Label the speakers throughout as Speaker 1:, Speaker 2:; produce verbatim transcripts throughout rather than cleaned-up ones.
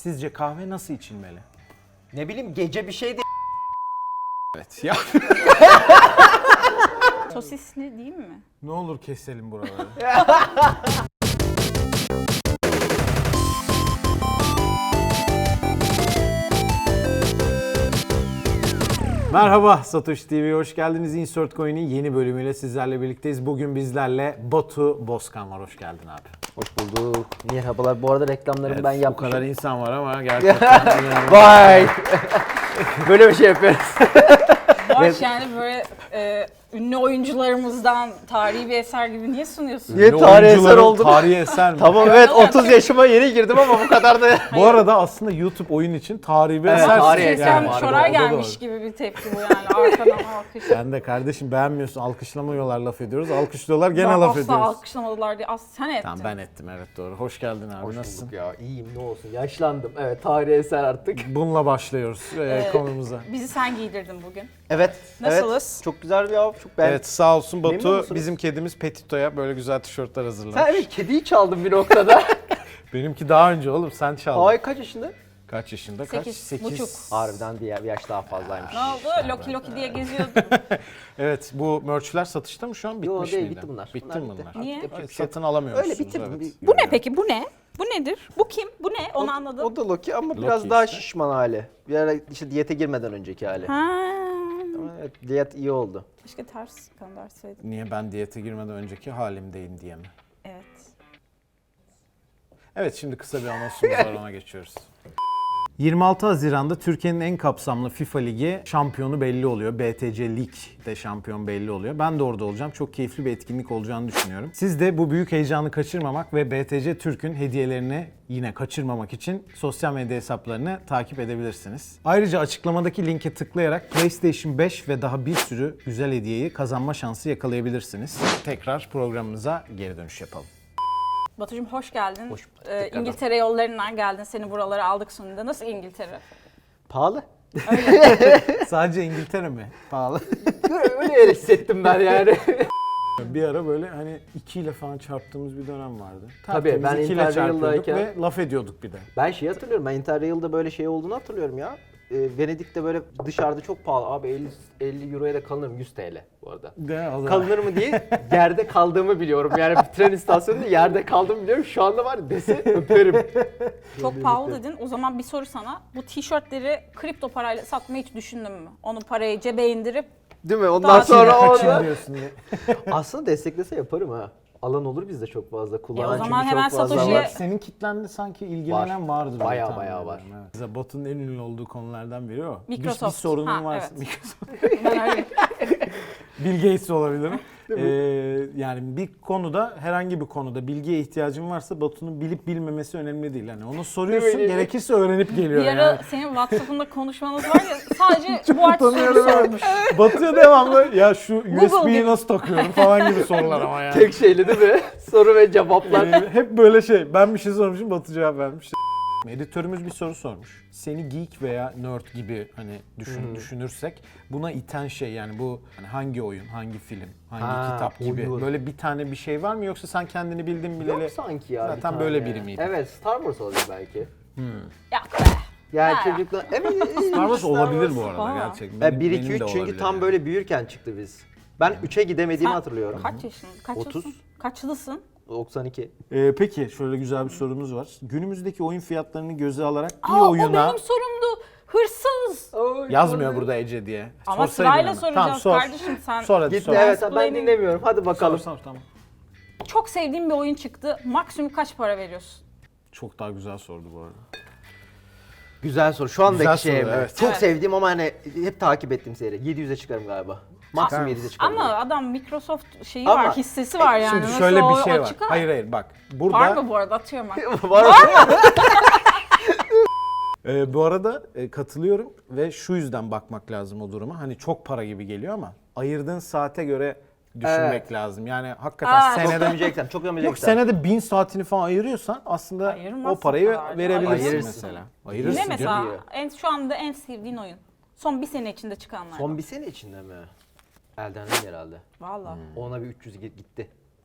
Speaker 1: Sizce kahve nasıl içilmeli?
Speaker 2: Ne bileyim gece bir şey de...
Speaker 1: Evet ya.
Speaker 3: Sosisli değil mi?
Speaker 1: Ne olur keselim buraları. Merhaba Satoshi T V'ye hoş geldiniz. Insert Coin'in yeni bölümüyle sizlerle birlikteyiz. Bugün bizlerle Batu Bozkan var. Hoş geldin abi.
Speaker 2: Hoş bulduk. Merhabalar. Bu arada reklamlarımı
Speaker 1: Evet,
Speaker 2: ben
Speaker 1: bu
Speaker 2: yapmışım.
Speaker 1: kadar insan var ama gerçekten inanılmaz.
Speaker 2: Vay! Böyle bir şey yapıyoruz.
Speaker 3: Boş yani böyle e, ünlü oyuncularımızdan tarihi bir eser gibi niye sunuyorsun?
Speaker 2: Niye
Speaker 1: Ünlü
Speaker 2: tarihi eser
Speaker 1: oyuncuların
Speaker 2: oldum?
Speaker 1: Tarihi eser mi?
Speaker 2: Tamam evet otuz yaşıma yeni girdim ama bu kadar da...
Speaker 1: Bu arada aslında YouTube oyun için tarihi bir
Speaker 2: Evet,
Speaker 1: eser.
Speaker 2: tarihi
Speaker 3: Şey,
Speaker 2: eser
Speaker 3: sen
Speaker 2: var,
Speaker 3: Şoray
Speaker 1: o da
Speaker 3: gelmiş
Speaker 1: doğru.
Speaker 3: gibi bir tepki bu yani arkadan alkış.
Speaker 1: Sen de kardeşim beğenmiyorsun, alkışlamıyorlar laf ediyoruz. Alkışlıyorlar gene
Speaker 3: Ben
Speaker 1: laf
Speaker 3: asla
Speaker 1: ediyoruz.
Speaker 3: alkışlamadılar diye. As sen ettin.
Speaker 1: Tamam ben ettim evet doğru. Hoş geldin abi
Speaker 2: Hoş
Speaker 1: nasılsın?
Speaker 2: bulduk ya. İyiyim ne olsun. Yaşlandım. Evet tarihi eser artık.
Speaker 1: Bununla başlıyoruz e,
Speaker 3: Ee,
Speaker 1: konumuza.
Speaker 3: Bizi sen giydirdin bugün.
Speaker 2: Evet.
Speaker 3: Nasılız?
Speaker 2: Evet. Çok güzel bir av. Çok beğendim.
Speaker 1: Evet sağ olsun
Speaker 2: Memnun
Speaker 1: Batu
Speaker 2: musunuz?
Speaker 1: bizim kedimiz Petito'ya böyle güzel tişörtler hazırlamış.
Speaker 2: Sen evet kediyi çaldın bir noktada.
Speaker 1: Benimki daha önce oğlum sen çaldın.
Speaker 2: Ay kaç yaşında?
Speaker 1: Kaç yaşında? Kaç?
Speaker 3: Sekiz buçuk.
Speaker 2: Harbiden diğer bir yaş daha fazlaymış.
Speaker 3: Ne oldu? Loki Loki diye geziyordun.
Speaker 1: Evet bu merchler satışta mı şu an bitmiş
Speaker 2: değil,
Speaker 1: miydi?
Speaker 2: bitti bunlar.
Speaker 1: Bitti
Speaker 2: Bunlar
Speaker 1: mi
Speaker 2: bitti.
Speaker 1: bunlar?
Speaker 3: Niye?
Speaker 1: Evet, satın alamıyorsunuz.
Speaker 2: Öyle bitti.
Speaker 1: Evet,
Speaker 3: Bu ne peki? Bu ne? Bu nedir? Bu kim? Bu ne? Onu
Speaker 2: O-
Speaker 3: anladım.
Speaker 2: O da Loki ama
Speaker 1: Loki
Speaker 2: biraz daha
Speaker 1: işte.
Speaker 2: şişman hali. Bir ara işte diyete girmeden önceki hali.
Speaker 3: Ha.
Speaker 2: Ama evet, diyet iyi oldu.
Speaker 3: Keşke ters gönderseydim.
Speaker 1: Niye ben diyete girmeden önceki halimdeyim diye mi?
Speaker 3: Evet.
Speaker 1: Evet şimdi kısa bir anonsumuz var ona geçiyoruz. yirmi altı Haziran'da Türkiye'nin en kapsamlı FIFA Ligi şampiyonu belli oluyor. B T C Lig'de şampiyon belli oluyor. Ben de orada olacağım. Çok keyifli bir etkinlik olacağını düşünüyorum. Siz de bu büyük heyecanı kaçırmamak ve B T C Türk'ün hediyelerini yine kaçırmamak için sosyal medya hesaplarını takip edebilirsiniz. Ayrıca açıklamadaki linke tıklayarak PlayStation beş ve daha bir sürü güzel hediyeyi kazanma şansı yakalayabilirsiniz. Tekrar programımıza geri dönüş yapalım.
Speaker 3: Batucuğum hoş geldin.
Speaker 2: Hoş bulduk,
Speaker 3: Ee,
Speaker 2: tekrardan.
Speaker 3: İngiltere yollarından geldin. Seni buralara aldık sonunda. Nasıl İngiltere?
Speaker 2: Pahalı.
Speaker 1: Sadece İngiltere mi? Pahalı.
Speaker 2: Öyle hissettim ben yani.
Speaker 1: Bir ara böyle hani iki ile falan çarptığımız bir dönem vardı.
Speaker 2: Tabii,
Speaker 1: Tertemiz
Speaker 2: ben
Speaker 1: iki ile çarpıyorduk
Speaker 2: Interrail'dayken-
Speaker 1: ve laf ediyorduk bir de.
Speaker 2: Ben şeyi hatırlıyorum. Ben Interrail'da böyle şey olduğunu hatırlıyorum ya. Ee, Venedik'te böyle dışarıda çok pahalı. Abi elli, elli euroya da kalınırım. yüz TL bu arada.
Speaker 1: De, o zaman.
Speaker 2: Kalınır mı diye yerde kaldığımı biliyorum. Yani bir tren istasyonunda yerde kaldığımı biliyorum. Şu anda var ya dese öperim.
Speaker 3: Çok pahalı dedin. O zaman bir soru sana. Bu tişörtleri kripto parayla satmayı hiç düşündün mü? Onu parayı cebe indirip
Speaker 2: Değil mi? Ondan
Speaker 3: Daha
Speaker 2: sonra
Speaker 1: Kaçın
Speaker 2: orada...
Speaker 1: diyorsun diye.
Speaker 2: Aslında desteklese yaparım ha. Alan olur bizde çok fazla. Kullanan
Speaker 3: E o zaman
Speaker 2: çünkü
Speaker 3: hemen
Speaker 2: çok fazla
Speaker 3: Satoshi'ye-
Speaker 2: var.
Speaker 1: Senin kitlende sanki ilgilenen
Speaker 2: Var.
Speaker 1: vardır. diye
Speaker 2: Bayağı
Speaker 1: tahmin
Speaker 2: bayağı
Speaker 1: ediyorum,
Speaker 2: var.
Speaker 1: Evet. Mesela Batu'nun en ünlü olduğu konulardan biri o. Bir- Bir,
Speaker 3: Microsoft.
Speaker 1: sorunun
Speaker 3: Ha,
Speaker 1: varsa.
Speaker 3: evet.
Speaker 1: Microsoft.
Speaker 3: ben öyle
Speaker 1: Bill Gates olabilirim. Ee, yani bir konuda herhangi bir konuda bilgiye ihtiyacın varsa Batu'nun bilip bilmemesi önemli değil. Yani onu soruyorsun
Speaker 2: Değil mi?
Speaker 1: gerekirse öğrenip geliyor
Speaker 3: bir ara
Speaker 1: yani.
Speaker 3: senin WhatsApp'ında konuşmanız var ya sadece bu artı soru
Speaker 1: Utanıyorum evet.
Speaker 3: sormuş.
Speaker 1: Batu'ya devamlı ya şu U S
Speaker 3: Google
Speaker 1: B'yi
Speaker 3: gibi.
Speaker 1: nasıl takıyorum falan gibi sorular ama yani.
Speaker 2: Tek şeyli değil mi? Soru ve cevaplar.
Speaker 1: Ee, hep böyle şey. Ben bir şey sormuşum, Batu cevap vermiş. Editörümüz bir soru sormuş. Seni geek veya nerd gibi hani düşün, düşünürsek buna iten şey yani bu hani hangi oyun, hangi film, hangi
Speaker 2: Ha,
Speaker 1: kitap gibi
Speaker 2: oyun.
Speaker 1: böyle bir tane bir şey var mı yoksa sen kendini bildin bileli
Speaker 2: Yok sanki ya. bir
Speaker 1: zaten
Speaker 2: tane.
Speaker 1: böyle biri miydin?
Speaker 2: Evet Star Wars olabilir belki.
Speaker 3: Ya be.
Speaker 2: Yani
Speaker 3: Ha.
Speaker 2: çocuklar... Evet,
Speaker 1: Star Wars olabilir bu arada
Speaker 3: Aa.
Speaker 1: gerçekten.
Speaker 2: Ben
Speaker 1: Benim-
Speaker 2: bir
Speaker 1: benim
Speaker 2: iki
Speaker 1: de
Speaker 2: üç çünkü
Speaker 1: olabilir
Speaker 2: tam
Speaker 1: yani.
Speaker 2: böyle büyürken çıktı biz. Ben üçe gidemediğimi
Speaker 3: Sen
Speaker 2: hatırlıyorum.
Speaker 3: Kaç yaşın? Kaçlısın?
Speaker 2: otuz.
Speaker 3: Kaçlısın?
Speaker 2: doksan iki.
Speaker 1: Ee, peki şöyle güzel bir sorumuz var. Günümüzdeki oyun fiyatlarını göze alarak bir
Speaker 3: Aa, o
Speaker 1: oyuna
Speaker 3: benim sorumdu. Hırsız.
Speaker 1: yazmıyor burada Ece diye.
Speaker 3: Ama
Speaker 1: Sorsaydın
Speaker 3: sırayla
Speaker 1: hemen.
Speaker 3: soracağız
Speaker 1: Tamam, sor.
Speaker 3: kardeşim sen.
Speaker 1: Sor hadi
Speaker 2: Gitti
Speaker 1: sor.
Speaker 2: evet ben
Speaker 3: Mansplaining.
Speaker 2: dinlemiyorum. Hadi
Speaker 1: Sor,
Speaker 2: bakalım.
Speaker 1: sor, tamam.
Speaker 3: Çok sevdiğim bir oyun çıktı. Maksimum kaç para veriyorsun?
Speaker 1: Çok daha güzel sordu bu arada.
Speaker 2: Güzel soru. Şu andaki
Speaker 1: Güzel
Speaker 2: şey
Speaker 1: soru,
Speaker 2: mi?
Speaker 1: evet.
Speaker 2: Çok
Speaker 3: Evet.
Speaker 2: sevdiğim ama hani hep takip ettiğim seri. yedi yüze çıkarım galiba. Maksimum yedi yüze çıkarım.
Speaker 3: Ama adam Microsoft şeyi
Speaker 2: Ama-
Speaker 3: var, hissesi var yani.
Speaker 1: Şimdi
Speaker 3: Nasıl
Speaker 1: şöyle
Speaker 3: o-
Speaker 1: bir şey
Speaker 3: o
Speaker 1: var.
Speaker 3: çıkar?
Speaker 1: Hayır hayır bak. Burada
Speaker 3: Var mı bu arada? Atıyorum ben.
Speaker 2: Var mı?
Speaker 1: e, bu arada e, katılıyorum ve şu yüzden bakmak lazım o duruma. Hani çok para gibi geliyor ama ayırdığın saate göre düşünmek
Speaker 2: Evet.
Speaker 1: lazım. Yani hakikaten
Speaker 3: Aa,
Speaker 2: Çok
Speaker 1: senede
Speaker 2: gömeceksen, çok
Speaker 1: yok
Speaker 2: gömeceksen.
Speaker 1: senede bin saatini falan ayırıyorsan aslında
Speaker 3: Ayırmazsın
Speaker 1: o parayı
Speaker 3: kadar.
Speaker 1: verebilirsin
Speaker 2: Ayırırsın.
Speaker 1: mesela.
Speaker 3: Ne
Speaker 1: Ayırırsın canım.
Speaker 3: mesela
Speaker 2: diyor.
Speaker 3: en, şu anda en sevdiğin oyun? Son bir sene içinde çıkanlar.
Speaker 2: Son bir sene içinde mi? Elden Ring herhalde.
Speaker 3: Valla.
Speaker 2: Ona bir üç yüz gitti.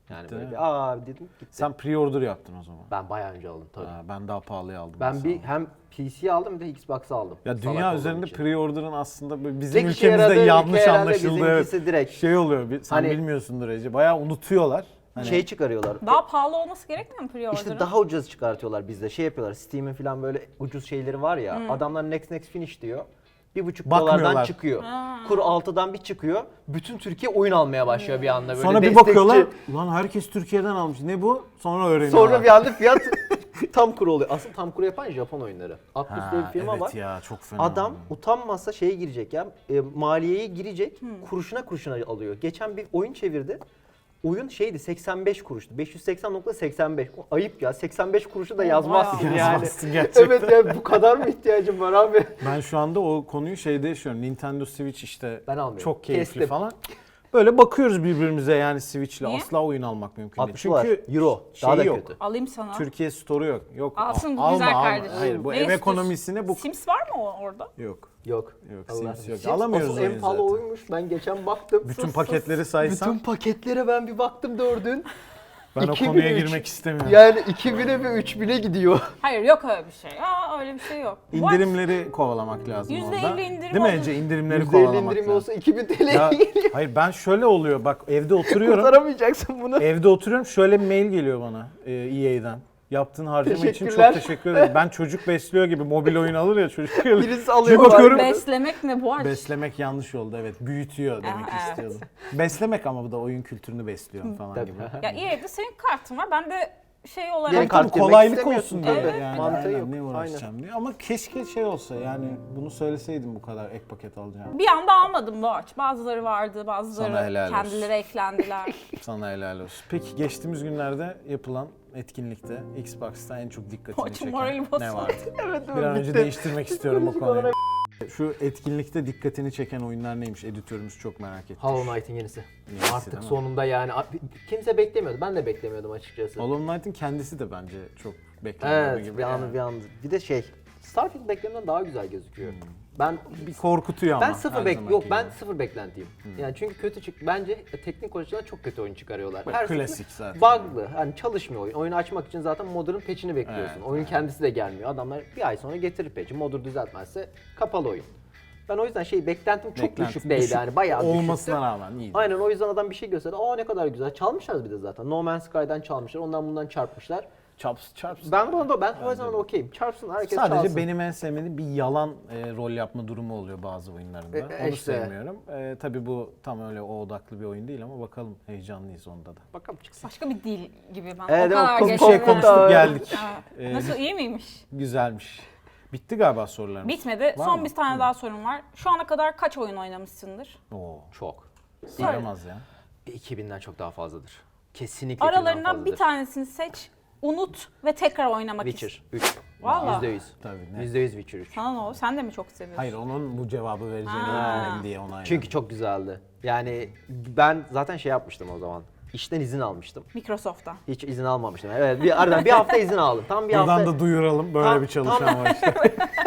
Speaker 2: Yani
Speaker 1: Gitti
Speaker 2: böyle
Speaker 1: mi?
Speaker 2: bir aa dedim gitti.
Speaker 1: Sen pre-order yaptın o zaman.
Speaker 2: Ben bayağı önce aldım tabii.
Speaker 1: Ha, ben daha pahalıya aldım.
Speaker 2: Ben
Speaker 1: mesela.
Speaker 2: bir hem P C aldım bir de Xbox aldım.
Speaker 1: Ya
Speaker 2: Salak
Speaker 1: dünya
Speaker 2: olduğum
Speaker 1: üzerinde
Speaker 2: için.
Speaker 1: pre-order'ın aslında böyle bizim
Speaker 2: Tek işe
Speaker 1: ülkemizde
Speaker 2: yaradığı
Speaker 1: yanlış
Speaker 2: ülke herhalde
Speaker 1: anlaşıldı. Evet.
Speaker 2: bizimkisi direkt.
Speaker 1: Şey oluyor, bir, sen
Speaker 2: Hani-
Speaker 1: bilmiyorsundur Ece. Bayağı unutuyorlar. Hani
Speaker 2: şey çıkarıyorlar.
Speaker 3: Daha pahalı olması gerekmiyor mu pre-order'ın?
Speaker 2: İşte daha ucuz çıkartıyorlar bizde. Şey yapıyorlar. Steam'in falan böyle ucuz şeyleri var ya. Adamlar next next finish diyor. Bir buçuk
Speaker 1: Bakmıyorlar.
Speaker 2: dolardan çıkıyor. Kur altıdan bir çıkıyor. Bütün Türkiye oyun almaya başlıyor bir anda böyle.
Speaker 1: sonra bir
Speaker 2: destekçi.
Speaker 1: bakıyorlar, ulan herkes Türkiye'den almış. Ne bu? Sonra öğreniyorlar.
Speaker 2: Sonra bir anda fiyat tam kur oluyor. Asıl tam kur yapan Japon oyunları. Atlus
Speaker 1: Ha,
Speaker 2: diye bir firma
Speaker 1: evet
Speaker 2: var.
Speaker 1: ya, çok fena.
Speaker 2: Adam utanmasa şeye girecek ya. E, maliyeye girecek. Kuruşuna kuruşuna alıyor. Geçen bir oyun çevirdi. Oyun şeydi seksen beş kuruştu. beş yüz seksen nokta seksen beş. O ayıp ya. seksen beş kuruşu da yazmazsın
Speaker 3: bayağı.
Speaker 2: yani.
Speaker 1: Yazmazsın gerçekten.
Speaker 2: Evet ya bu kadar mı ihtiyacım var abi?
Speaker 1: Ben şu anda o konuyu şeyde yaşıyorum. Nintendo Switch işte
Speaker 2: Ben almıyorum.
Speaker 1: çok keyifli
Speaker 2: Kestim.
Speaker 1: falan. Böyle bakıyoruz birbirimize yani Switch'le.
Speaker 3: Niye?
Speaker 1: Asla oyun almak mümkün değil.
Speaker 2: altmış dolar. Euro. Daha
Speaker 1: şeyi
Speaker 2: da
Speaker 1: yok.
Speaker 2: kötü.
Speaker 3: Alayım sana.
Speaker 1: Türkiye Store'u yok. Yok.
Speaker 3: Alsın bu
Speaker 1: al-
Speaker 3: güzel
Speaker 1: alma, alma.
Speaker 3: kardeşim.
Speaker 1: Hayır bu
Speaker 3: Ne
Speaker 1: ev
Speaker 3: istiyorsun?
Speaker 1: ekonomisine bu
Speaker 3: Sims var mı o- orada?
Speaker 1: yok.
Speaker 2: Yok.
Speaker 1: Yok,
Speaker 2: Allah.
Speaker 1: Sims yok.
Speaker 2: Sims
Speaker 1: Alamıyoruz
Speaker 2: asıl
Speaker 1: oyun
Speaker 2: en pahalı
Speaker 1: zaten.
Speaker 2: oyunmuş. Ben geçen baktım.
Speaker 1: Bütün
Speaker 2: Sus,
Speaker 1: paketleri
Speaker 2: sus.
Speaker 1: saysan
Speaker 2: Bütün paketlere ben bir baktım dördün.
Speaker 1: ben o
Speaker 2: iki bin
Speaker 1: konuya
Speaker 2: üç.
Speaker 1: girmek istemiyorum.
Speaker 2: Yani iki bine ve üç bine gidiyor.
Speaker 3: Hayır yok öyle bir şey. Aa öyle bir şey yok. What?
Speaker 1: İndirimleri kovalamak lazım
Speaker 3: Yüzde
Speaker 1: orada.
Speaker 3: elli indirim
Speaker 1: Değil mi
Speaker 3: olur.
Speaker 1: Ece? İndirimleri
Speaker 2: yüzde elli
Speaker 1: kovalamak
Speaker 2: indirim
Speaker 1: lazım.
Speaker 2: olsa iki bin T L'ye
Speaker 1: Ya,
Speaker 2: geliyor.
Speaker 1: hayır ben şöyle oluyor bak evde oturuyorum.
Speaker 2: Kurtaramayacaksın bunu.
Speaker 1: Evde oturuyorum şöyle bir mail geliyor bana e, E A'den. Yaptığın harcama için çok
Speaker 2: Teşekkürler.
Speaker 1: teşekkür ederim. Ben çocuk besliyor gibi mobil oyun alır ya çocuk.
Speaker 2: Birisi alıyor.
Speaker 1: Bir bakıyorum.
Speaker 3: Beslemek ne bu aç?
Speaker 1: Beslemek yanlış oldu evet. Büyütüyor demek
Speaker 3: Aa, evet.
Speaker 1: istiyordum. Beslemek ama bu da oyun kültürünü besliyor falan
Speaker 2: Tabii.
Speaker 1: gibi.
Speaker 3: Ya E A'de senin kartın var. Ben de şey olarak...
Speaker 2: Yeni
Speaker 1: Tabii
Speaker 2: kart girmek
Speaker 1: kolaylık
Speaker 2: istemiyorsun
Speaker 1: olsun diye.
Speaker 2: tabii.
Speaker 1: Yani,
Speaker 2: Mantığı
Speaker 1: aynen,
Speaker 2: yok.
Speaker 1: ne uğraşacağım diye. Ama keşke şey olsa yani bunu söyleseydim bu kadar ek paket alacağım.
Speaker 3: Bir anda almadım bu aç. Bazıları vardı, bazıları
Speaker 1: Sana helal olsun.
Speaker 3: kendileri eklendiler.
Speaker 1: Sana helal olsun. Peki geçtiğimiz günlerde yapılan etkinlikte Xbox'ta en çok dikkatini
Speaker 3: Maçın
Speaker 1: çeken
Speaker 3: morali
Speaker 1: ne
Speaker 3: bozuldu.
Speaker 1: vardı?
Speaker 2: Evet,
Speaker 1: Bir an önce
Speaker 2: bitti.
Speaker 1: değiştirmek istiyorum bu
Speaker 2: Psikolojik
Speaker 1: konuyu.
Speaker 2: olarak-
Speaker 1: Şu etkinlikte dikkatini çeken oyunlar neymiş? Editörümüz çok merak etti.
Speaker 2: Hollow Knight'in yenisi.
Speaker 1: Yenisi
Speaker 2: Artık
Speaker 1: değil mi?
Speaker 2: sonunda yani kimse beklemiyordu. Ben de beklemiyordum açıkçası.
Speaker 1: Hollow Knight'in kendisi de bence çok beklenen
Speaker 2: Evet,
Speaker 1: gibi.
Speaker 2: bir
Speaker 1: yani.
Speaker 2: an bir an. Bir de şey, Starfield beklemeden daha güzel gözüküyor.
Speaker 1: Hmm.
Speaker 2: Ben
Speaker 1: Bir korkutuyor ama.
Speaker 2: ben sıfır
Speaker 1: her
Speaker 2: bek
Speaker 1: zamanki
Speaker 2: yok ben
Speaker 1: gibi.
Speaker 2: sıfır beklentiyim. Yani çünkü kötü çık bence teknik açıdan çok kötü oyun çıkarıyorlar.
Speaker 1: Böyle
Speaker 2: seferinde
Speaker 1: klasik zaten.
Speaker 2: Bug'lı. Hani çalışmıyor oyun. Oyunu açmak için zaten modern patch'ini bekliyorsun.
Speaker 1: Evet,
Speaker 2: oyun
Speaker 1: evet.
Speaker 2: kendisi de gelmiyor. Adamlar bir ay sonra getirir patch'i. Modern düzeltmezse kapalı oyun. Ben o yüzden şey beklentim çok
Speaker 1: Beklentim
Speaker 2: düşük değildi yani bayağı
Speaker 1: olmasına
Speaker 2: düşüktü.
Speaker 1: rağmen iyiydi.
Speaker 2: Aynen o yüzden adam bir şey gösterdi. Aa ne kadar güzel. Çalmışlar bir de zaten. No Man's Sky'dan çalmışlar. Ondan bundan çarpmışlar.
Speaker 1: Çarps, çarps.
Speaker 2: Ben buna da ben o yüzden okeyim. Çarpsın herkes
Speaker 1: Sadece
Speaker 2: çalsın.
Speaker 1: benim en sevmediğim bir yalan e, rol yapma durumu oluyor bazı oyunlarında.
Speaker 2: E,
Speaker 1: Onu
Speaker 2: işte.
Speaker 1: sevmiyorum. E, tabii bu tam öyle o odaklı bir oyun değil ama bakalım heyecanlıyız onda da.
Speaker 2: Bakalım çıksın.
Speaker 3: Başka bir dil gibi ben.
Speaker 2: Evet,
Speaker 3: o kadar
Speaker 2: evet,
Speaker 1: Bir
Speaker 3: geçti.
Speaker 1: şey konuştuk geldik.
Speaker 3: Evet.
Speaker 1: E,
Speaker 3: Nasıl iyi miymiş?
Speaker 1: Güzelmiş. Bitti galiba sorularımız.
Speaker 3: Bitmedi.
Speaker 1: Var
Speaker 3: Son
Speaker 1: mı?
Speaker 3: bir tane daha sorum var. Şu ana kadar kaç oyun oynamışsındır?
Speaker 1: Oo,
Speaker 2: Çok.
Speaker 1: sayamaz ya.
Speaker 2: iki binden çok daha fazladır. Kesinlikle iki binden
Speaker 3: Aralarından
Speaker 2: fazladır.
Speaker 3: bir tanesini seç, unut ve tekrar oynamak ist.
Speaker 2: Witcher üç.
Speaker 3: Valla.
Speaker 2: yüzde yüz.
Speaker 1: Tabii ne?
Speaker 2: yüzde yüz Witcher üç.
Speaker 3: Sana ne oldu? Sen de mi çok seviyorsun?
Speaker 1: Hayır onun bu cevabı vereceğini
Speaker 3: Ha.
Speaker 1: bilmiyorum diye ona
Speaker 2: Çünkü çok güzeldi. Yani ben zaten şey yapmıştım o zaman. İşten izin almıştım.
Speaker 3: Microsoft'tan.
Speaker 2: Hiç izin almamıştım. Evet bir aradan bir hafta izin aldım. Tam bir
Speaker 1: Buradan
Speaker 2: hafta
Speaker 1: da duyuralım böyle
Speaker 2: Tam-
Speaker 1: bir çalışan
Speaker 2: tam-
Speaker 1: var işte.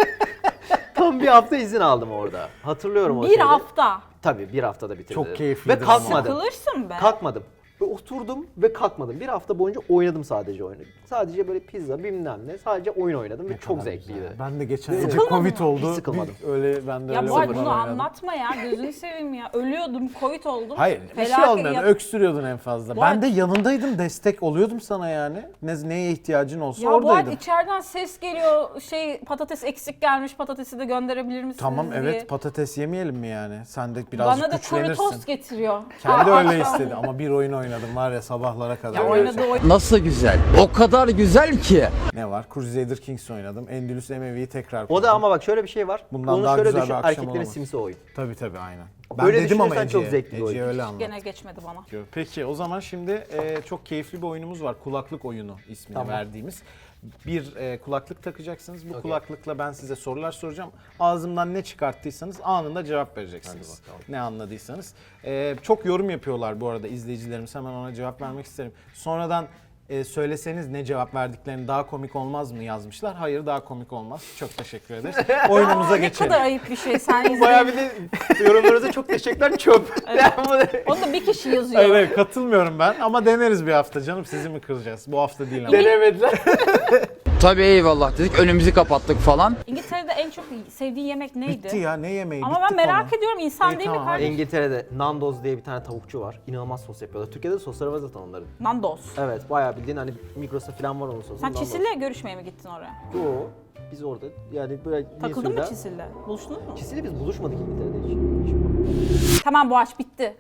Speaker 2: tam bir hafta izin aldım orada. Hatırlıyorum o
Speaker 3: Bir
Speaker 2: şeyi.
Speaker 3: hafta.
Speaker 2: Tabii bir haftada bitirdim.
Speaker 1: Çok keyiflidir
Speaker 2: Ve
Speaker 1: ama.
Speaker 2: kalkmadım.
Speaker 3: Sıkılırsın be.
Speaker 2: Kalkmadım. Ve oturdum ve kalkmadım. Bir hafta boyunca oynadım sadece oyunu. Sadece böyle pizza bilmem ne. Sadece oyun oynadım ve çok zevkliydi.
Speaker 1: Ben de geçen
Speaker 2: Sıkılmadın
Speaker 1: önce Covid
Speaker 3: mı?
Speaker 1: oldu.
Speaker 2: Hiç sıkılmadım.
Speaker 1: Bir- öyle ben de
Speaker 3: Ya
Speaker 1: öyle
Speaker 3: bu arada
Speaker 1: sıfırdan
Speaker 3: bunu
Speaker 1: oynadım.
Speaker 3: anlatma ya. Gözünü seveyim ya. Ölüyordum, Covid oldum.
Speaker 1: Hayır bir şey
Speaker 3: Felaket
Speaker 1: olmuyordu.
Speaker 3: ya-
Speaker 1: Öksürüyordun en fazla.
Speaker 3: Bu
Speaker 1: Ben
Speaker 3: arada-
Speaker 1: de yanındaydım. Destek oluyordum sana yani. Ne, neye ihtiyacın olsa
Speaker 3: Ya bu arada
Speaker 1: oradaydım.
Speaker 3: içeriden ses geliyor. Şey patates eksik gelmiş. Patatesi de gönderebilir misiniz
Speaker 1: Tamam
Speaker 3: diye.
Speaker 1: evet patates yemeyelim mi yani? Sen de birazcık
Speaker 3: Bana da kuru
Speaker 1: güçlenirsin.
Speaker 3: tost getiriyor.
Speaker 1: Kendi
Speaker 3: Ha,
Speaker 1: öyle
Speaker 3: akşam-
Speaker 1: istedi ama bir oyun oynadım var ya sabahlara kadar.
Speaker 3: Ya oynadığı oyun.
Speaker 4: Nasıl güzel? O kadar güzel ki.
Speaker 1: Ne var? Crusader Kings oynadım. Endülüs Emevi'yi tekrar
Speaker 2: O
Speaker 1: kurdum.
Speaker 2: da ama bak şöyle bir şey var.
Speaker 1: Bundan
Speaker 2: Onu
Speaker 1: daha
Speaker 2: şöyle
Speaker 1: güzel bir
Speaker 2: düşün.
Speaker 1: akşam
Speaker 2: Erkeklerin
Speaker 1: olamaz.
Speaker 2: simsi oyun.
Speaker 1: Tabii tabii aynen. Ben
Speaker 2: Öyle
Speaker 1: dedim ama
Speaker 2: düşünürsen
Speaker 1: Ece'ye.
Speaker 2: çok zevkli bir oyun.
Speaker 1: Ece'ye öyle anlat.
Speaker 3: Gene geçmedi bana.
Speaker 1: Peki o zaman şimdi e, çok keyifli bir oyunumuz var. Kulaklık oyunu ismini
Speaker 2: Tamam.
Speaker 1: verdiğimiz. Bir e, kulaklık takacaksınız. Bu
Speaker 2: Okey.
Speaker 1: kulaklıkla ben size sorular soracağım. Ağzımdan ne çıkarttıysanız anında cevap vereceksiniz.
Speaker 2: Hadi bakalım.
Speaker 1: Ne anladıysanız. E, çok yorum yapıyorlar bu arada izleyicilerimiz. Hemen ona cevap vermek isterim. Sonradan e, söyleseniz ne cevap verdiklerini daha komik olmaz mı yazmışlar. Hayır, daha komik olmaz. Çok teşekkür ederiz. Oyunumuza
Speaker 3: Ne
Speaker 1: geçelim.
Speaker 3: kadar ayıp bir şey sen
Speaker 2: Bayağı
Speaker 3: izleyin.
Speaker 2: bir de yorumlarınıza çok teşekkürler çöp.
Speaker 3: Onu da bir kişi yazıyor.
Speaker 1: Hayır, hayır, katılmıyorum ben ama deneriz bir hafta canım. Sizi mi kıracağız? Bu hafta değil ama.
Speaker 2: Denemediler.
Speaker 4: Tabii eyvallah dedik, önümüzü kapattık falan.
Speaker 3: İngiltere'de en çok sevdiğin yemek neydi?
Speaker 1: Bitti ya, ne yemeği?
Speaker 3: Ama
Speaker 1: Bitti
Speaker 3: ben merak
Speaker 1: konu.
Speaker 3: ediyorum, insan
Speaker 1: İyi,
Speaker 3: değil mi
Speaker 1: tamam,
Speaker 3: kardeşim?
Speaker 2: İngiltere'de Nando's diye bir tane tavukçu var. İnanılmaz sos yapıyorlar. Türkiye'de de sosları var zaten onların.
Speaker 3: Nandos.
Speaker 2: Evet, bayağı bildiğin hani Migros'ta falan var onun sosu.
Speaker 3: Sen
Speaker 2: Nando's.
Speaker 3: Çisil'le görüşmeye mi gittin oraya?
Speaker 2: Yo, biz orada yani böyle bir
Speaker 3: Takıldın mı
Speaker 2: süreden-
Speaker 3: Çisil'le? Buluştunuz mu?
Speaker 2: Çisil'le biz buluşmadık İngiltere'de hiç. hiç.
Speaker 3: Tamam, bu aç bitti.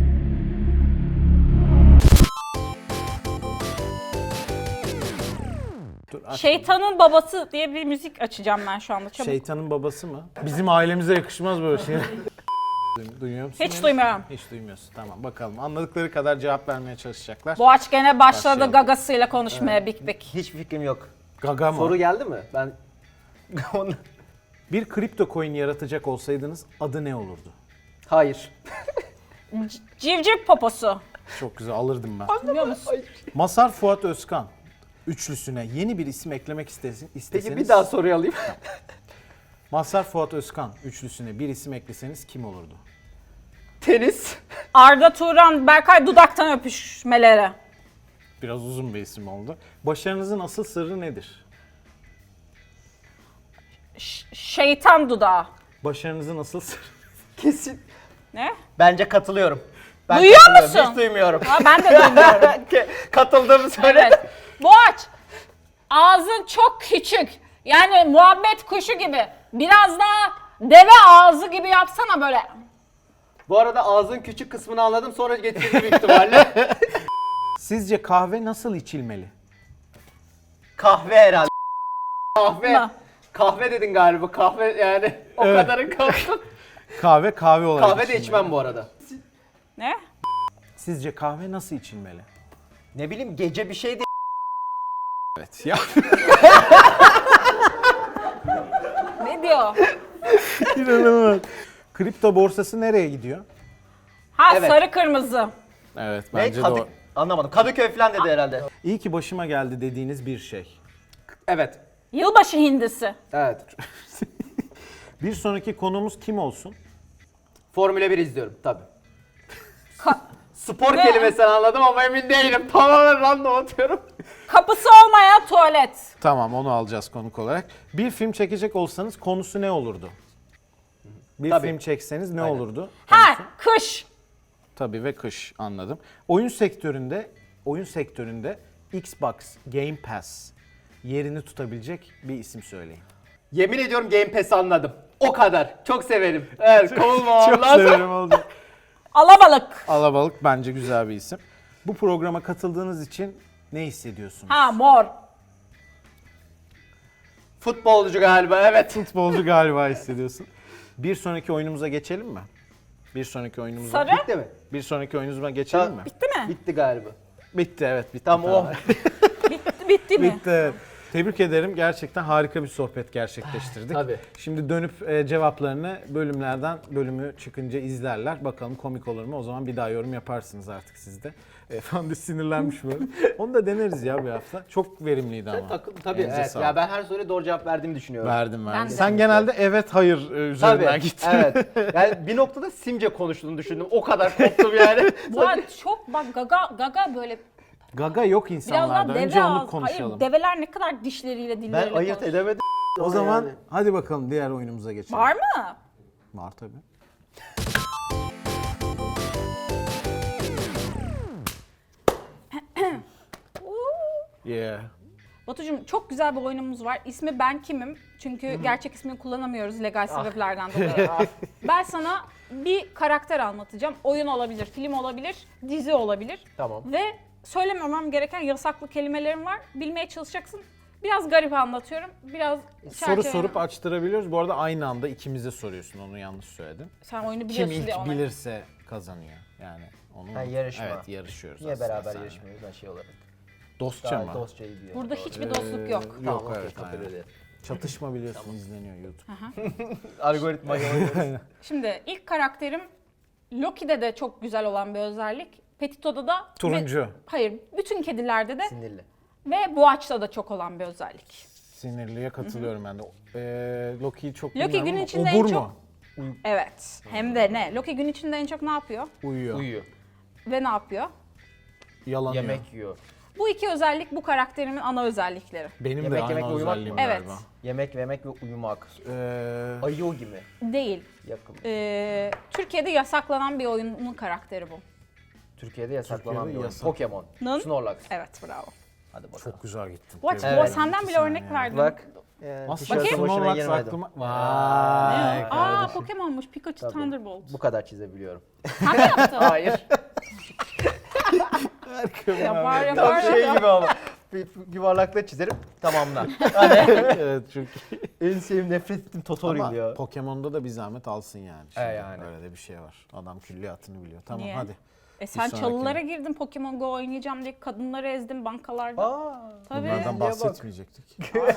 Speaker 1: Dur, aç.
Speaker 3: Şeytanın babası diye bir müzik açacağım ben şu anda. Çabuk.
Speaker 1: Şeytanın babası mı? Bizim ailemize yakışmaz böyle şey. Duyuyor musun?
Speaker 3: Hiç
Speaker 1: beni?
Speaker 3: duymuyorum.
Speaker 1: Hiç duymuyorsun. Tamam, bakalım. Anladıkları kadar cevap vermeye çalışacaklar.
Speaker 3: Boğaç gene başladı
Speaker 1: Başlayalım.
Speaker 3: gagasıyla konuşmaya bik bik.
Speaker 2: Hiç fikrim yok.
Speaker 1: Gaga mı?
Speaker 2: Soru geldi mi? Ben Onu-
Speaker 1: Bir kripto coin yaratacak olsaydınız adı ne olurdu?
Speaker 2: Hayır.
Speaker 3: C- Civciv poposu.
Speaker 1: Çok güzel, alırdım ben.
Speaker 3: Biliyor musun?
Speaker 1: Masar Fuat Özkan üçlüsüne yeni bir isim eklemek istesin, isteseniz...
Speaker 2: Peki bir daha soruyu alayım.
Speaker 1: Masar Fuat Özkan üçlüsüne bir isim ekleseniz kim olurdu?
Speaker 2: Tenis.
Speaker 3: Arda Turan, Berkay dudaktan öpüşmeleri.
Speaker 1: Biraz uzun bir isim oldu. Başarınızın asıl sırrı nedir?
Speaker 3: Ş- şeytan dudağı.
Speaker 1: Başarınızın asıl sırrı...
Speaker 2: Kesin.
Speaker 3: Ne?
Speaker 2: Bence katılıyorum. Ben
Speaker 3: Duyuyor
Speaker 2: katılıyorum,
Speaker 3: musun?
Speaker 2: Hiç duymuyorum.
Speaker 3: Ha, ben de duymuyorum.
Speaker 2: Katıldığımı söyle.
Speaker 3: Evet. Boğaç, ağzın çok küçük. Yani muhabbet kuşu gibi. Biraz daha deve ağzı gibi yapsana böyle.
Speaker 2: Bu arada ağzın küçük kısmını anladım sonra getirdim büyük ihtimalle.
Speaker 1: Sizce kahve nasıl içilmeli?
Speaker 2: Kahve herhalde. Kahve.
Speaker 3: Mı?
Speaker 2: Kahve dedin galiba. Kahve yani o
Speaker 1: Evet.
Speaker 2: kadarın kalsın.
Speaker 1: Kahve kahve olarak
Speaker 2: Kahve de
Speaker 1: içilmeli.
Speaker 2: içmem bu arada.
Speaker 3: Ne?
Speaker 1: Sizce kahve nasıl içilmeli?
Speaker 2: Ne bileyim gece bir şey de
Speaker 1: Evet ya.
Speaker 3: Ne diyor?
Speaker 1: İnanılmaz. Kripto borsası nereye gidiyor?
Speaker 3: Ha,
Speaker 2: Evet.
Speaker 3: sarı kırmızı.
Speaker 1: Evet,
Speaker 2: ne?
Speaker 1: bence
Speaker 2: Kadı...
Speaker 1: de o.
Speaker 2: Anlamadım. Kadıköy falan dedi herhalde.
Speaker 1: İyi ki başıma geldi dediğiniz bir şey.
Speaker 2: Evet.
Speaker 3: Yılbaşı hindisi.
Speaker 2: Evet.
Speaker 1: Bir sonraki konumuz kim olsun?
Speaker 2: Formula bir izliyorum tabii.
Speaker 3: Ka-
Speaker 2: Spor
Speaker 3: Ne?
Speaker 2: kelimesini anladım ama emin değilim. Tamamen random atıyorum.
Speaker 3: kapısı olmayan tuvalet.
Speaker 1: Tamam, onu alacağız konuk olarak. Bir film çekecek olsanız konusu ne olurdu? Bir
Speaker 2: Tabii.
Speaker 1: film çekseniz ne
Speaker 2: Aynen.
Speaker 1: olurdu?
Speaker 3: Ha, kış.
Speaker 1: Tabii ve kış, anladım. Oyun sektöründe, oyun sektöründe Xbox Game Pass yerini tutabilecek bir isim söyleyin.
Speaker 2: Yemin ediyorum Game Pass'i anladım. O kadar. Çok severim. Evet, kovulmamam
Speaker 1: Çok
Speaker 2: lazım.
Speaker 1: severim oldu.
Speaker 3: Alabalık.
Speaker 1: Alabalık bence güzel bir isim. Bu programa katıldığınız için ne hissediyorsunuz?
Speaker 3: Ha, mor.
Speaker 2: Futbolcu galiba, evet.
Speaker 1: Futbolcu galiba hissediyorsun. Bir sonraki oyunumuza geçelim mi? Bir sonraki oyunumuza.
Speaker 3: Sarı.
Speaker 2: Bitti mi?
Speaker 1: Bir sonraki oyunumuza geçelim
Speaker 2: Ta-
Speaker 1: mi?
Speaker 3: Bitti mi?
Speaker 2: Bitti galiba.
Speaker 1: Bitti, evet, bitti.
Speaker 2: Tamam o.
Speaker 3: Bitti, bitti mi?
Speaker 1: Bitti. evet. Tebrik ederim. Gerçekten harika bir sohbet gerçekleştirdik.
Speaker 2: Tabii.
Speaker 1: Şimdi dönüp e, cevaplarını bölümlerden bölümü çıkınca izlerler. Bakalım komik olur mu? O zaman bir daha yorum yaparsınız artık siz de. Efendim sinirlenmiş böyle. Onu da deneriz ya bir hafta. Çok verimliydi ama.
Speaker 2: Takım tabii
Speaker 1: Elinize
Speaker 2: evet.
Speaker 1: sağlık.
Speaker 2: Ya ben her soruya doğru cevap verdiğimi düşünüyorum.
Speaker 1: Verdim verdim.
Speaker 3: Ben de.
Speaker 1: Sen genelde evet hayır e, üzerinden
Speaker 2: Tabii.
Speaker 1: gittin.
Speaker 2: Evet. Yani bir noktada simce konuştuğunu düşündüm. O kadar koptum yani.
Speaker 3: Bu arada çok bak gaga gaga böyle
Speaker 1: Gaga yok
Speaker 3: biraz
Speaker 1: insanlarda.
Speaker 3: daha deve
Speaker 1: Önce onu
Speaker 3: ağzı.
Speaker 1: konuşalım.
Speaker 3: Hayır, develer ne kadar dişleriyle
Speaker 2: Ben
Speaker 3: dilleriyle
Speaker 2: ayırt
Speaker 3: konuşuyor.
Speaker 2: edemedim.
Speaker 1: O zaman
Speaker 2: Yani.
Speaker 1: hadi bakalım diğer oyunumuza geçelim.
Speaker 3: Var mı?
Speaker 1: Var tabii. Yeah.
Speaker 3: Batucuğum, çok güzel bir oyunumuz var. İsmi Ben Kimim? Çünkü gerçek ismini kullanamıyoruz legal sebeplerden dolayı. Ben sana bir karakter anlatacağım. Oyun olabilir, film olabilir, dizi olabilir.
Speaker 2: Tamam.
Speaker 3: Ve söylememem gereken yasaklı kelimelerim var. Bilmeye çalışacaksın. Biraz garip anlatıyorum. Biraz
Speaker 1: Soru
Speaker 3: çerçeve-
Speaker 1: sorup açtırabiliyoruz. Bu arada aynı anda ikimize soruyorsun. Onu yanlış söyledin.
Speaker 3: Sen oyunu
Speaker 1: Kim
Speaker 3: biliyorsun diye
Speaker 1: ilk
Speaker 3: ona.
Speaker 1: bilirse kazanıyor. Yani onu
Speaker 2: Ha, yarışma.
Speaker 1: Evet, yarışıyoruz.
Speaker 2: Niye
Speaker 1: aslında
Speaker 2: beraber
Speaker 1: seninle.
Speaker 2: yarışmıyoruz ben şey olarak?
Speaker 1: Dostça
Speaker 2: Daha
Speaker 1: mı?
Speaker 2: dostça iyi biliyorum.
Speaker 3: Burada hiçbir dostluk yok.
Speaker 1: Ee,
Speaker 2: Tamam,
Speaker 1: Yok,
Speaker 2: okey,
Speaker 1: evet.
Speaker 2: kabul
Speaker 1: aynen.
Speaker 2: ederim.
Speaker 1: Çatışma biliyorsun izleniyor YouTube.
Speaker 2: Algoritma oynuyoruz.
Speaker 3: Şimdi ilk karakterim Loki'de de çok güzel olan bir özellik. Petito'da da
Speaker 1: Turuncu.
Speaker 3: ve- hayır, bütün kedilerde de
Speaker 2: Sinirli.
Speaker 3: ve Boğaç'ta da çok olan bir özellik.
Speaker 1: Sinirliye katılıyorum ben de. Ee, Loki'yi çok
Speaker 3: Loki
Speaker 1: bilmiyorum
Speaker 3: gün
Speaker 1: ama
Speaker 3: içinde
Speaker 1: obur
Speaker 3: en
Speaker 1: mu?
Speaker 3: çok- Evet. Hem de ne? Loki gün içinde en çok ne yapıyor?
Speaker 1: Uyuyor.
Speaker 2: Uyuyor.
Speaker 3: Ve ne yapıyor?
Speaker 1: Yalanıyor.
Speaker 2: Yemek yiyor.
Speaker 3: Bu iki özellik bu karakterimin ana özellikleri.
Speaker 1: Benim
Speaker 2: Yemek
Speaker 1: de aynı
Speaker 2: yemek ve uyumak
Speaker 1: özelliğim
Speaker 2: mı?
Speaker 3: Evet.
Speaker 1: galiba.
Speaker 2: Yemek yemek ve uyumak.
Speaker 1: Ee,
Speaker 2: Ayı gibi.
Speaker 3: Değil.
Speaker 2: Yakın.
Speaker 3: Ee, Türkiye'de yasaklanan bir oyunun karakteri bu.
Speaker 2: Türkiye'de yasaklanan
Speaker 1: Türkiye'de
Speaker 2: bir oyun.
Speaker 1: yasak.
Speaker 2: Pokemon.
Speaker 3: Nın?
Speaker 2: Snorlax.
Speaker 3: Evet, bravo.
Speaker 2: Hadi bakalım.
Speaker 1: çok güzel gittim.
Speaker 3: Boğaç,
Speaker 2: Evet.
Speaker 3: bu senden bile
Speaker 1: İki
Speaker 3: örnek
Speaker 1: saniye.
Speaker 3: verdim.
Speaker 2: Bak. Yani
Speaker 1: Aslında
Speaker 2: tişörtün
Speaker 3: Bakayım.
Speaker 2: boşuna
Speaker 1: Snorlax
Speaker 2: girmedim.
Speaker 1: aklıma... Vay
Speaker 3: Aa,
Speaker 1: kardeşim.
Speaker 3: Pokemon'muş. Pikachu
Speaker 2: Tabii.
Speaker 3: Thunderbolt.
Speaker 2: Bu kadar çizebiliyorum.
Speaker 3: Sen mi yaptın?
Speaker 2: Hayır.
Speaker 3: Yapar yapar.
Speaker 2: Tam şey
Speaker 3: yapar.
Speaker 2: gibi ama. Bir yuvarlakla çizerim tamamla.
Speaker 1: Evet çok iyi.
Speaker 2: En sevdiğim nefret ettiğim tutorial
Speaker 1: Ama
Speaker 2: ya.
Speaker 1: Pokemon'da da bir zahmet alsın yani. Şimdi.
Speaker 2: E yani.
Speaker 1: Öyle de bir şey var. Adam külliyatını biliyor. Tamam
Speaker 3: Niye?
Speaker 1: hadi.
Speaker 3: E sen
Speaker 1: sonraki.
Speaker 3: çalılara girdin Pokemon Go oynayacağım diye kadınları ezdin bankalarda.
Speaker 2: Aa.
Speaker 3: Tabii.
Speaker 1: Bunlardan
Speaker 2: Niye bak?
Speaker 1: bahsetmeyecektik.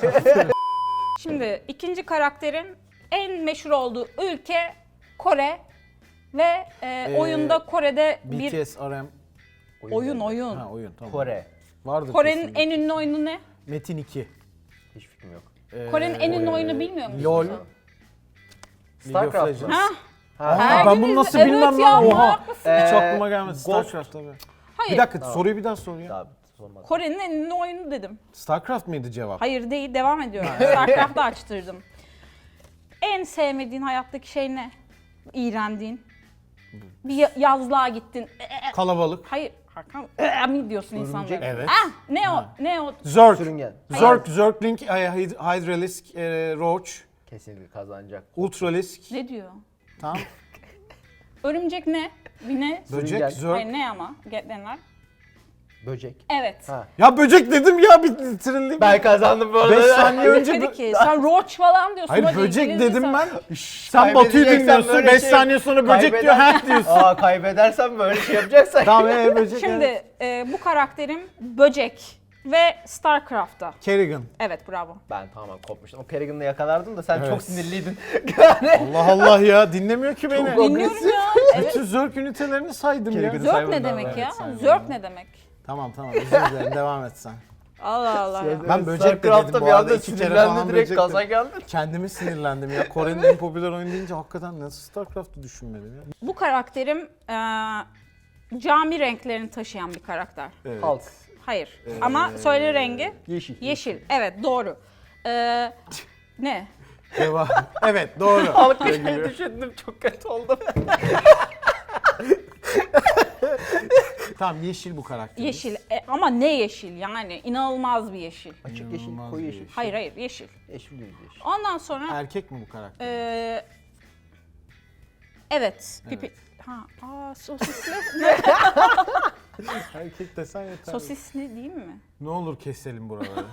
Speaker 3: Şimdi ikinci karakterin en meşhur olduğu ülke Kore ve e,
Speaker 1: Ee,
Speaker 3: oyunda Kore'de
Speaker 1: B
Speaker 3: bir
Speaker 1: T S R M.
Speaker 3: oyun oyun.
Speaker 1: Ha oyun tamam.
Speaker 2: Kore.
Speaker 1: Vardır
Speaker 3: Kore'nin
Speaker 1: kesinlikle.
Speaker 3: en ünlü oyunu ne?
Speaker 1: Metin iki.
Speaker 2: Hiç fikrim yok.
Speaker 1: Ee,
Speaker 3: Kore'nin en ünlü
Speaker 1: e,
Speaker 3: oyunu bilmiyor musun?
Speaker 1: LOL.
Speaker 3: sen?
Speaker 1: League of
Speaker 2: Starcraft
Speaker 1: Legends.
Speaker 2: mı?
Speaker 3: Ha?
Speaker 2: Ha.
Speaker 3: Her
Speaker 1: ben
Speaker 3: gün
Speaker 1: bunu
Speaker 3: izle-
Speaker 1: nasıl
Speaker 3: evet
Speaker 1: bilmem
Speaker 3: ya,
Speaker 1: lan? Oha.
Speaker 3: manyak mısın?
Speaker 1: Hiç
Speaker 2: Ee,
Speaker 1: aklıma gelmedi.
Speaker 2: Ghost-
Speaker 1: Starcraft tabii.
Speaker 3: Hayır.
Speaker 1: Bir dakika
Speaker 2: Tamam.
Speaker 1: soruyu bir daha sor ya.
Speaker 2: Daha sormadım.
Speaker 3: Kore'nin en ünlü oyunu dedim.
Speaker 1: Starcraft mıydı cevap?
Speaker 3: Hayır değil, devam ediyorum. Starcraft'ı açtırdım. En sevmediğin hayattaki şey ne? İğrendiğin. Bir ya- yazlığa gittin. E, e,
Speaker 1: Kalabalık.
Speaker 3: Hayır, Hakan e, mi diyorsun insanlara?
Speaker 1: Evet.
Speaker 3: Ah, ne o? Ne o?
Speaker 1: Zerg.
Speaker 2: Sürüngen.
Speaker 1: Zerg, Zergling, e, Hyd- Hydralisk, e, Roach,
Speaker 2: Kesinlikle kazanacak.
Speaker 1: Ultralisk.
Speaker 3: Ne diyor?
Speaker 1: Tamam.
Speaker 3: Örümcek ne? Bir ne?
Speaker 1: Böcek,
Speaker 2: Sürüngen.
Speaker 3: Hayır,
Speaker 1: Zerg.
Speaker 3: ne ama? Getlenler.
Speaker 2: Böcek.
Speaker 3: Evet.
Speaker 2: Ha.
Speaker 1: Ya böcek dedim ya bitirildi.
Speaker 2: Ben kazandım bu
Speaker 1: beş
Speaker 2: arada.
Speaker 1: saniye önce...
Speaker 3: Dedi
Speaker 1: bö-
Speaker 3: ki sen roach falan diyorsun.
Speaker 1: Hayır
Speaker 3: hadi
Speaker 1: böcek
Speaker 3: İngilizce
Speaker 1: dedim
Speaker 3: sen-
Speaker 1: ben. Sen Batu'yu
Speaker 2: Kaybedeceksen
Speaker 1: dinliyorsun.
Speaker 2: böyle
Speaker 1: beş
Speaker 2: şey-
Speaker 1: saniye sonra böcek diyor.
Speaker 2: Kaybeder-
Speaker 1: Ha diyorsun.
Speaker 2: Aa kaybedersen böyle şey yapacaksan.
Speaker 1: Tamam ee, böcek.
Speaker 3: Şimdi
Speaker 1: evet.
Speaker 3: e, bu karakterim böcek ve Starcraft'ta.
Speaker 1: Kerrigan.
Speaker 3: Evet, bravo.
Speaker 2: Ben tamamen kopmuştum. O Kerrigan'ı yakalardım da sen
Speaker 1: Evet.
Speaker 2: çok sinirliydin.
Speaker 1: Allah Allah ya dinlemiyor ki beni.
Speaker 3: Dinliyorum ya. Evet.
Speaker 1: Bütün Zerg ünitelerini saydım ya.
Speaker 2: Kerrigan'ı
Speaker 3: Zörk
Speaker 2: saymadım
Speaker 3: ne
Speaker 2: daha,
Speaker 3: demek
Speaker 2: evet,
Speaker 3: ya?
Speaker 1: saymadım.
Speaker 3: Zörk ne demek?
Speaker 1: Tamam tamam özür dilerim devam et sen.
Speaker 3: Allah Allah. ya.
Speaker 1: Ben böcek de dedim
Speaker 2: Starcraft'ta
Speaker 1: bu
Speaker 2: bir
Speaker 1: arada,
Speaker 2: anda
Speaker 1: iki kere
Speaker 2: sinirlendi
Speaker 1: falan
Speaker 2: direkt
Speaker 1: böcek
Speaker 2: gaza
Speaker 1: dedim.
Speaker 2: geldi.
Speaker 1: Kendimi sinirlendim ya. Kore'nin en popüler oyunu deyince hakikaten nasıl Starcraft'ı düşünmedim ya.
Speaker 3: Bu karakterim e, cami renklerini taşıyan bir karakter.
Speaker 1: Evet.
Speaker 2: Halk.
Speaker 3: Hayır. Ama söyle rengi.
Speaker 2: Yeşil.
Speaker 3: Yeşil. Evet, doğru. Ee, ne?
Speaker 1: Devam. Evet doğru.
Speaker 2: Halkı şey düşündüm çok kötü oldum.
Speaker 1: Tamam yeşil bu karakter.
Speaker 3: Yeşil. E, ama ne yeşil yani? İnanılmaz bir yeşil.
Speaker 2: Açık yeşil,
Speaker 1: İnanılmaz
Speaker 2: koyu
Speaker 1: bir
Speaker 2: yeşil.
Speaker 1: yeşil.
Speaker 3: Hayır hayır, yeşil.
Speaker 2: Yeşil değil yeşil.
Speaker 3: Ondan sonra
Speaker 1: Erkek mi bu karakter?
Speaker 3: e, evet. Pipi. Ha, aa, sosisli. Ne?
Speaker 1: Erkek desen yeter.
Speaker 3: Sosisli değil mi?
Speaker 1: Ne olur keselim buraları.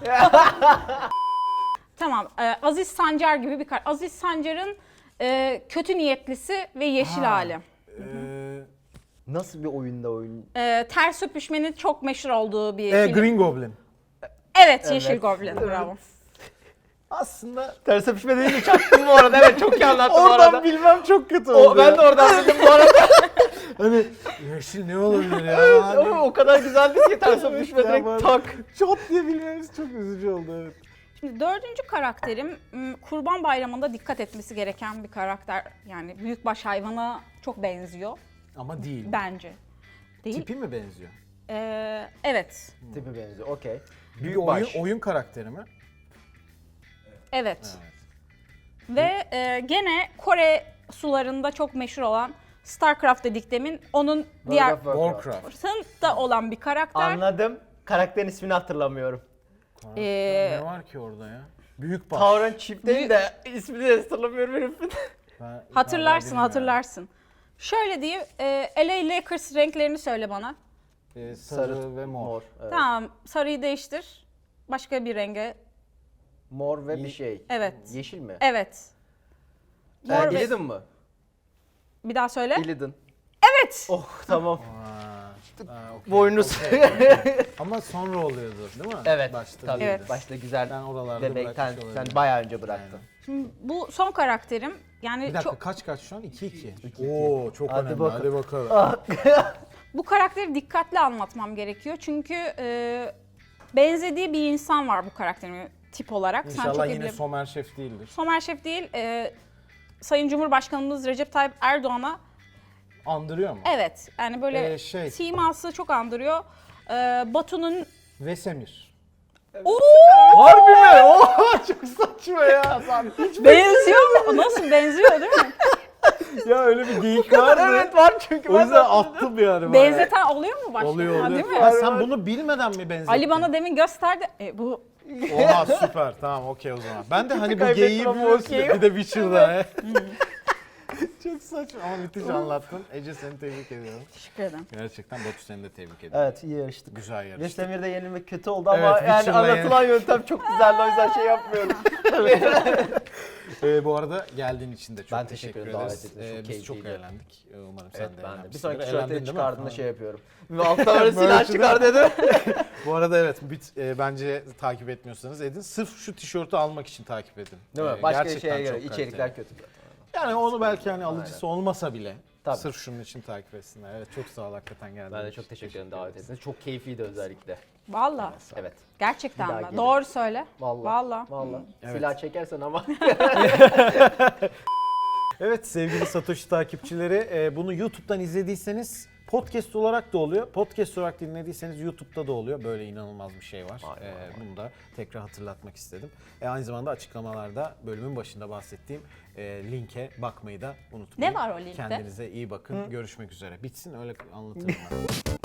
Speaker 3: Tamam. e, Aziz Sancar gibi bir karakter. Aziz Sancar'ın e, kötü niyetlisi ve yeşil
Speaker 1: Ha.
Speaker 3: hali.
Speaker 1: Ee,
Speaker 2: Nasıl bir oyunda oyun?
Speaker 3: E, ters öpüşmenin çok meşhur olduğu bir
Speaker 1: e,
Speaker 3: film.
Speaker 1: Green Goblin.
Speaker 3: Evet, Yeşil
Speaker 2: Evet.
Speaker 3: Goblin. Bravo.
Speaker 1: Aslında
Speaker 2: Ters öpüşme deyince çaktım bu arada. Evet çok iyi anlattın bu
Speaker 1: oradan
Speaker 2: arada.
Speaker 1: bilmem çok kötü oldu
Speaker 2: O, ben
Speaker 1: ya.
Speaker 2: de oradan bildim bu arada.
Speaker 1: Hani yeşil ne olabilir ya? Hani,
Speaker 2: Ama o kadar güzeldi ki ters öpüşme
Speaker 1: Ya
Speaker 2: direkt
Speaker 1: bana-
Speaker 2: tak.
Speaker 1: Çot diye bilmemiz çok üzücü oldu evet.
Speaker 3: Şimdi dördüncü karakterim m, Kurban Bayramı'nda dikkat etmesi gereken bir karakter. Yani büyükbaş hayvana çok benziyor
Speaker 1: Ama değil.
Speaker 3: bence. Değil.
Speaker 1: Tipi mi benziyor?
Speaker 3: Ee, evet.
Speaker 2: Tipi benziyor okey.
Speaker 1: Bir
Speaker 2: Büyük
Speaker 1: oyun,
Speaker 2: baş.
Speaker 1: oyun karakteri mi?
Speaker 3: Evet.
Speaker 1: Evet.
Speaker 3: Ve e, gene Kore sularında çok meşhur olan StarCraft dediklemin onun diğer
Speaker 2: World of Warcraft.
Speaker 1: Warcraft.
Speaker 3: da olan bir karakter.
Speaker 2: Anladım. Karakterin ismini hatırlamıyorum.
Speaker 3: Ee,
Speaker 1: Ne var ki orada ya? Büyük baş.
Speaker 2: Tauren Chip değil de ismini de hatırlamıyorum herifin.
Speaker 1: Ben-
Speaker 3: Hatırlarsın,
Speaker 1: ben
Speaker 3: hatırlarsın. Şöyle diyeyim, e, L A Lakers renklerini söyle bana.
Speaker 1: Ee, sarı, ve mor.
Speaker 2: Evet.
Speaker 3: Tamam, sarıyı değiştir. Başka bir renge.
Speaker 2: Mor ve bir şey.
Speaker 3: Evet.
Speaker 2: Yeşil mi?
Speaker 3: Evet.
Speaker 2: Ee,
Speaker 3: Mor ve-
Speaker 2: Illidan mı?
Speaker 3: Bir daha söyle.
Speaker 2: Illidan.
Speaker 3: Evet.
Speaker 2: Oh tamam.
Speaker 1: Aa, aa, okey,
Speaker 2: Boynuz.
Speaker 1: okey. Ama sonra oluyordu değil mi?
Speaker 2: Evet.
Speaker 1: Başta
Speaker 2: tabii.
Speaker 1: değildi.
Speaker 3: Evet.
Speaker 2: Başta güzel.
Speaker 1: Ben oralarda
Speaker 2: Bebekten
Speaker 1: bırakmış
Speaker 2: sen
Speaker 1: olabilirim.
Speaker 2: bayağı önce bıraktın.
Speaker 3: Şimdi bu son karakterim. Yani
Speaker 1: Bir dakika
Speaker 3: çok
Speaker 1: kaç kaç şu an? iki iki. Oo çok
Speaker 2: Hadi
Speaker 1: önemli.
Speaker 2: bakalım.
Speaker 1: Hadi bakalım.
Speaker 3: Bu karakteri dikkatli anlatmam gerekiyor. Çünkü e, benzediği bir insan var bu karakterin tip olarak. Sen çok
Speaker 1: İnşallah
Speaker 3: iyi
Speaker 1: yine
Speaker 3: bile-
Speaker 1: Somer Şef değildir.
Speaker 3: Somer Şef değil, e, Sayın Cumhurbaşkanımız Recep Tayyip Erdoğan'a
Speaker 1: Andırıyor mu?
Speaker 3: evet yani böyle
Speaker 1: Ee, şey-
Speaker 3: siması çok andırıyor. E, Batu'nun
Speaker 1: Vesemir.
Speaker 3: Oo!
Speaker 1: Harbi mi? Oha çok saçma ya. Hiç
Speaker 3: benziyor mu? Nasıl benziyor değil mi?
Speaker 1: ya öyle bir geyik vardı.
Speaker 2: Evet var çünkü.
Speaker 1: O
Speaker 2: ben de
Speaker 1: yüzden
Speaker 2: hatırlıyorum.
Speaker 1: attım yani.
Speaker 3: Benzeten oluyor mu başka?
Speaker 1: Oluyor
Speaker 3: Ha,
Speaker 1: oluyor.
Speaker 3: değil mi?
Speaker 1: Ha, sen bunu bilmeden mi benzettin?
Speaker 3: Ali bana demin gösterdi. E, bu
Speaker 1: Oha süper. Tamam okey o zaman. Ben de hani bu
Speaker 2: kaybettim
Speaker 1: geyiği
Speaker 2: ama
Speaker 1: biliyorsun
Speaker 2: okey.
Speaker 1: ya, bir de Witcher'da. he. Çok saçma ama müthiş anlattın. Ece seni tebrik ediyorum.
Speaker 3: teşekkür ederim.
Speaker 1: Gerçekten Batu seni de tebrik ediyorum.
Speaker 2: Evet iyi yarıştık.
Speaker 1: Güzel yarıştı.
Speaker 2: Vestemir'de yenilmek kötü oldu ama
Speaker 1: Evet,
Speaker 2: yani
Speaker 1: Witcher'la
Speaker 2: anlatılan yöntem çok güzeldi o yüzden şey yapmıyorum.
Speaker 1: Ee, bu arada geldiğin için de çok
Speaker 2: Ben
Speaker 1: teşekkür,
Speaker 2: teşekkür ederim, davet
Speaker 1: ederiz.
Speaker 2: ettiğiniz için.
Speaker 1: Ee,
Speaker 2: Çok
Speaker 1: biz çok
Speaker 2: keyifliydi.
Speaker 1: eğlendik. Ee, Umarım
Speaker 2: Evet
Speaker 1: sen de
Speaker 2: ben de.
Speaker 1: eğlenmişsindir.
Speaker 2: Bir sonraki
Speaker 1: Eğlendin
Speaker 2: tişörtleri
Speaker 1: değil mi?
Speaker 2: çıkardığında
Speaker 1: Ha.
Speaker 2: şey yapıyorum. Ve alttan böyle silah
Speaker 1: Böyle
Speaker 2: çıkar dedim.
Speaker 1: Bu arada evet bit, e, bence takip etmiyorsanız edin. Sırf şu tişörtü almak için takip edin.
Speaker 2: Değil mi?
Speaker 1: Ee,
Speaker 2: Başka
Speaker 1: gerçekten
Speaker 2: şeye göre
Speaker 1: çok
Speaker 2: içerikler
Speaker 1: kaliteli.
Speaker 2: kötü.
Speaker 1: Yani onu belki hani alıcısı olmasa bile
Speaker 2: Tabii.
Speaker 1: sırf şunun için takip etsinler. Evet çok sağ ol hakikaten geldiğin
Speaker 2: Ben de
Speaker 1: için.
Speaker 2: çok teşekkür ederim davet ettiğiniz. Çok keyifliydi özellikle.
Speaker 3: Valla.
Speaker 2: Evet.
Speaker 3: Gerçekten
Speaker 2: Bir daha
Speaker 3: mi?
Speaker 2: gelin.
Speaker 3: Doğru söyle.
Speaker 2: Vallahi.
Speaker 3: Valla.
Speaker 2: Vallahi.
Speaker 1: Evet.
Speaker 2: Silah çekersen ama.
Speaker 1: Evet sevgili Satoshi takipçileri e, bunu YouTube'dan izlediyseniz podcast olarak da oluyor. Podcast olarak dinlediyseniz YouTube'da da oluyor. Böyle inanılmaz bir şey var.
Speaker 2: Vay,
Speaker 1: E,
Speaker 2: vay, vay.
Speaker 1: bunu da tekrar hatırlatmak istedim. E, aynı zamanda açıklamalarda bölümün başında bahsettiğim e, linke bakmayı da unutmayın.
Speaker 3: Ne var o linkte?
Speaker 1: Kendinize iyi bakın. Görüşmek üzere. Bitsin öyle anlatırım ben.